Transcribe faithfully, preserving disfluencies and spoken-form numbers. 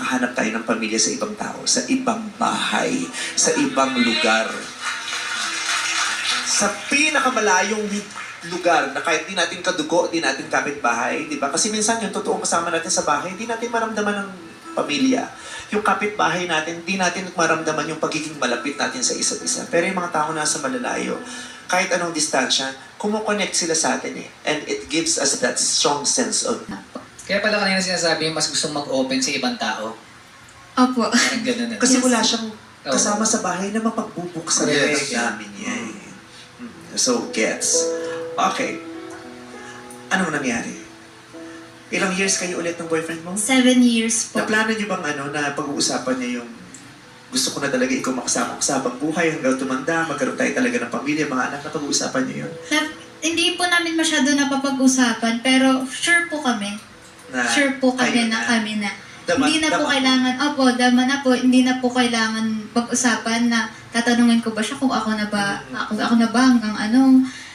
makakahanap tayo ng pamilya sa ibang tao, sa ibang bahay, sa ibang lugar. Sa pinakamalayong lugar na kahit di natin kadugo, di natin kapitbahay, di ba? Kasi minsan yung totoong kasama natin sa bahay, di natin maramdaman ng pamilya. Yung kapitbahay natin, di natin maramdaman yung pagiging malapit natin sa isa't isa. Pero yung mga tao nasa malalayo, kahit anong distansya, kumukonect sila sa atin eh. And it gives us that strong sense of... Kaya pala kanina sinasabi mas gustong mag-open sa ibang tao. Opo. Parang gano'n na. Kasi Yes. wala siyang kasama sa bahay na mapagbubuksan Yes. yes. namin yan. So, gets. Okay. Anong nangyari? Ilang years kayo ulit ng boyfriend mo? Seven years po. Naplano niyo bang ano, na pag-uusapan niya yung gusto ko na talaga ikaw makasama ko sa habang buhay hanggang tumanda, magkaroon tayo talaga ng pamilya, mga anak, na pag-uusapan niyo yun? Na, hindi po namin masyado napapag-usapan, pero sure po kami. Na, Sure po kami kayo na kami na. Dama- hindi na po dama- kailangan, opo, dama na po, hindi na po kailangan pag-usapan na tatanungin ko ba siya kung ako na ba, Mm-hmm. ako, ako na ba hanggang anong,